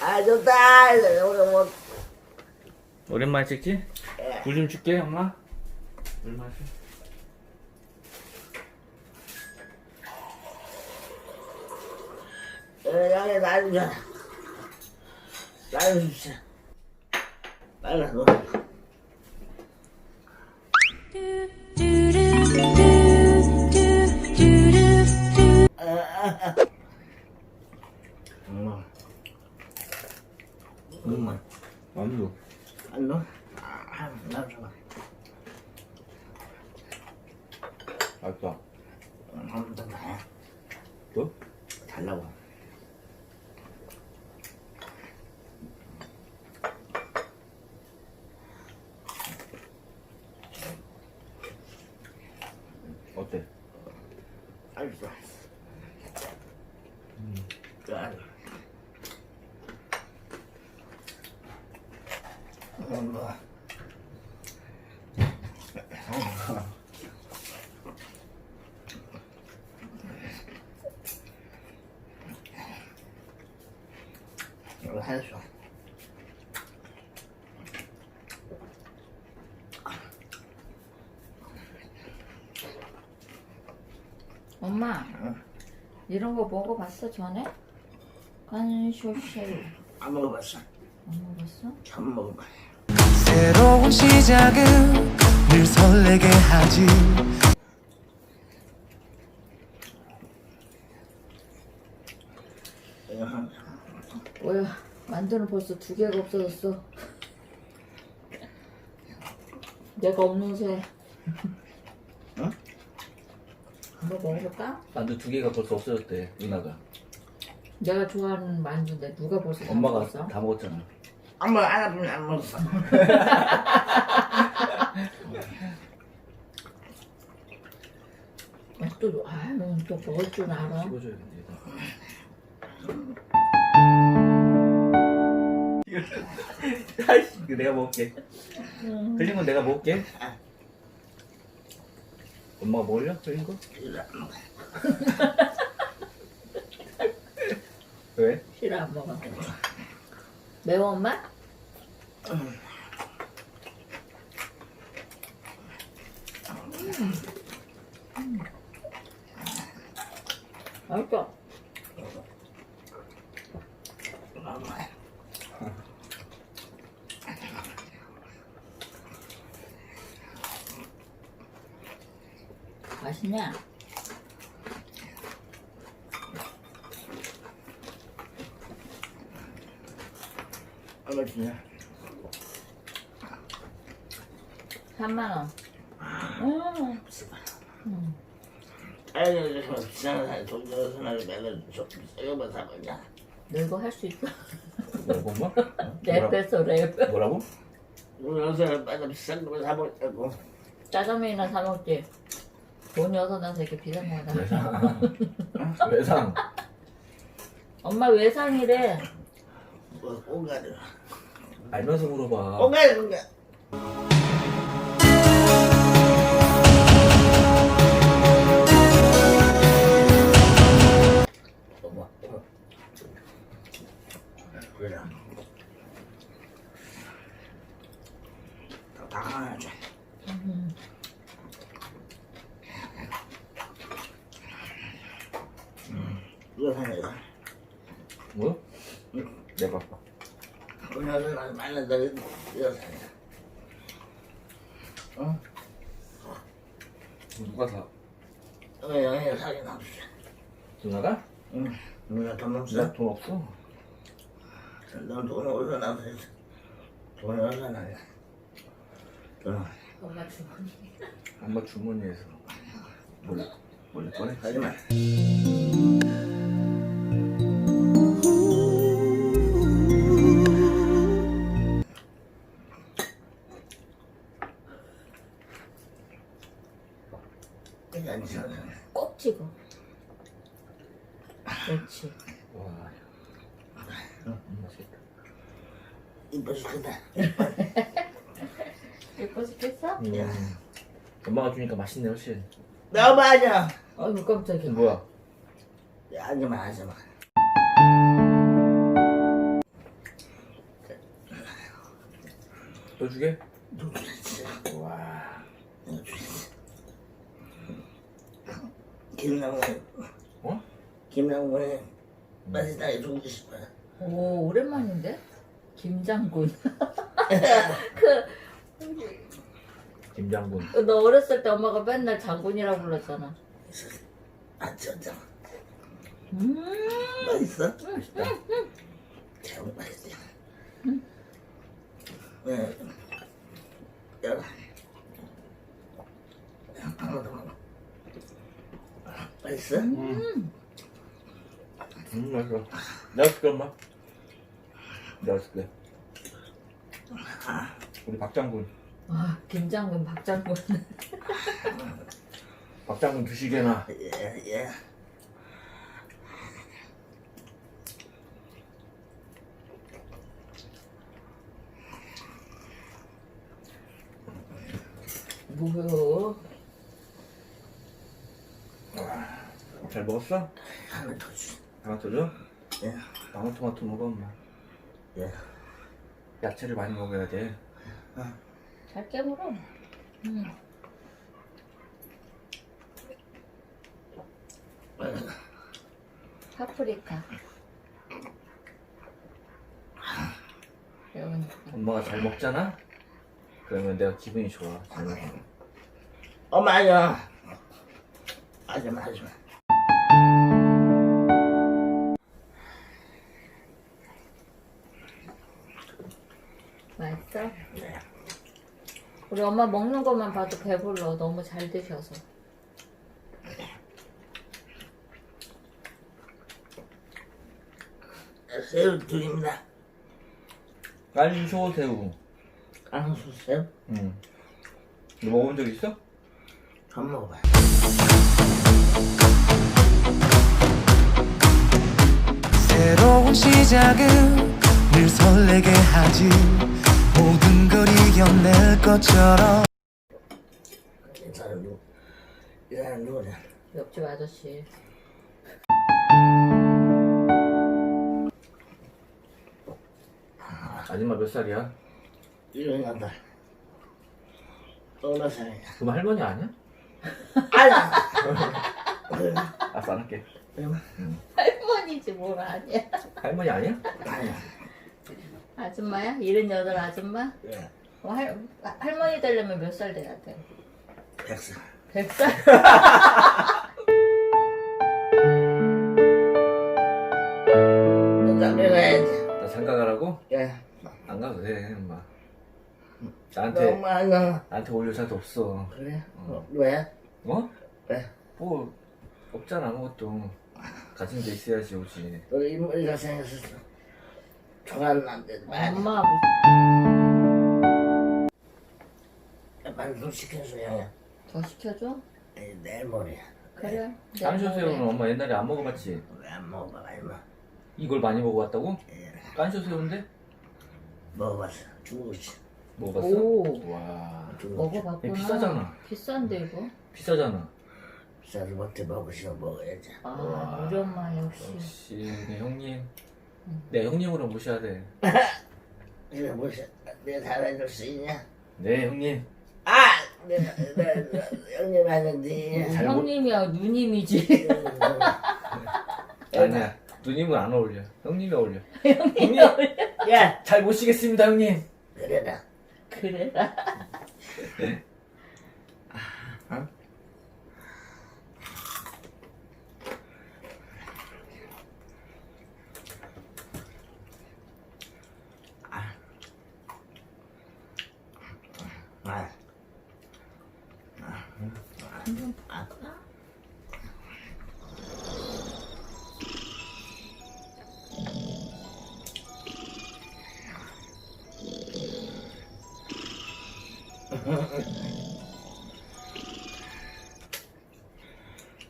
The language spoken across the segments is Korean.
아 좋다. 오늘 뭐 오랜만에 찍지? 물 좀 줄게 엄마. 물 마셔. 여기 나좀 줘. 나좀 주세요. 빨리 너. 엄마. 만두. 안 넣어? 나 줘봐. 맛있다. 한번 더 봐. 또? 달라고. 어때? 알겠어. 자. 엄마. 이거 해줘. 엄마, 이런 거 먹어봤어 전에? 간쇼쉐이 안 먹어봤어. 안 먹어봤어? 처음 먹어봐. 새로운 시작은 늘 설레게 하지. 뭐야, 만두는 벌써 2개가 없어졌어. 내가 없는 새. 응? 한번 먹어볼까? 만두 2개가 벌써 없어졌대 누나가. 내가 좋아하는 만두인데 누가 벌써 다 엄마가 먹었어? 다 먹었잖아. 엄마 안 아프면 안 먹었어. 또, 아유, 또 먹을 줄 알아. 씹어줘야겠네. 아이씨, 이거 내가 먹을게. 흘린 건 내가 먹을게. 엄마가 먹을려? 흘린 거? 왜? 싫어, 안 먹어. 매워, 엄마? 맛있어. 맛있냐? 얼마 주냐? 3만 원. 아이들에서 비싼 사람 돈 줘서 나를 맨날 좀 비싸게만 사먹냐? 너 할 수 있어? 뭐라고 엄마? 랩했어, 랩. 뭐라고? 돈 줘서 맨날 비싼 거만 사먹자고. 짜장면이나 사 먹지. 돈이 없어서 이렇게 비싼 거다. 외상. 엄마 외상이래. 뭐 꽁가루. 알면서 물어봐. 꽁가루. 그래. 다 가야지. 이거 사내가. 뭐? 내가. 그녀는 날 만난다고 이거 사내. 어? 누가 사? 여기 사긴 없어. 누나가? 응. 누나 돈 없어? 나 돈 없어. 넌돈 어디서 나서 돈 어디서 나냐? 돈 엄마 주머니. 엄마 주머니에서 몰래 꺼내. 하지 마. 괜찮지? 꼭 찍어. 그렇지. 와. 맛있겠다. 이뻐 죽겠다. 예뻐 죽겠어? 엄마가 주니까 맛있네 훨씬. 너 맞아. 아이고 깜짝이야. 뭐야? 하지마 하지마. 더 주게? 누구지? 와. 김남훈. 어? 김남훈이 맛있다게 주고 싶어. 오, 오랜만인데? 김장군. 김장군. 너 어렸을 때 엄마가 맨날 장군이라고 불렀잖아. 아 진짜 음, 맛있어? 맛있다. 참 맛있어. 네. 여러. 하나 더 먹어. 맛있어? 맛있어. 내가 줄게, 엄마. 내가 줄게. 우리 박장군. 아, 김장군, 박장군. 박장군 두시개나. 예, 예. 뭐요? 잘 먹었어? 하나 더 주. 하나 더 줘? 예, 방울토마토 먹어, 엄마. 예. 야채를 많이 먹어야 돼. 잘 깨물어. 파프리카. 매우니까. 엄마가 잘 먹잖아? 그러면 내가 기분이 좋아. 잘 먹어. 엄마 아니야. 하지마, 하지마. 맛있어? 네. 우리 엄마 먹는 것만 봐도 배불러. 너무 잘 드셔서. 새우 둘입니다. 깐쇼새우. 깡수 새우? 응. 너 먹어본 적 있어? 처음 먹어봐. 새로운 시작은 늘 설레게 하지 모든 걸 이겨낼 것처럼 이 사람 누구? 이 사람 누구냐? 옆집 아저씨. 아줌마 몇 살이야? 이런 간다. 어느 살이냐? 그럼 할머니 아니야? 아니야. 알았어, 안 할게. 할머니지 뭘 아니야. 할머니 아니야? 아니야. 아줌마야? 78 아줌마? 예. 할머니 되려면 몇 살 돼야 돼? 100살. 100살? 장가 가야지. 나 장가 가라고? 예. 안 가도 돼, 엄마. 너무 많아. 나한테 올 여자도 없어. 그래? 왜? 어? 왜? 뭐, 없잖아, 아무것도. 가진 게 있어야지 오지. 우리 인물이가 생겼었어. 좋아하는 남자들 많이. 엄마 반좀 시켜줘야. 더 시켜줘? 내일 모레야. 그래. 깐쇼새우는 엄마 옛날에 안 먹어봤지? 왜 안 먹어봐, 얼마? 이걸 많이 먹어봤다고? 예. 깐쇼새우인데? 먹어봤어. 중국이지. 먹어봤어? 오. 와, 먹어봤구나. 비싸잖아. 비싼데 이거? 비싸잖아. 비싸도 못해 먹으시면 먹어야지. 아, 우리 엄마 역시. 역시 내 형님. 내 형님으로 모셔야 돼. 이거 뭐지? 내가 잘해줄 수 있냐? 네, 형님. 아! 내가 형님 하는데. 잘 못- 형님이야 누님이지. 아니야. 누님은 안 어울려. 형님이 어울려. 형님이 야! 잘 모시겠습니다, 형님. 그래라. 그래라. 어? 아.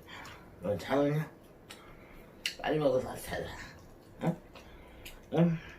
너 참으냐? 빨리 먹어서 살아. 응? 응?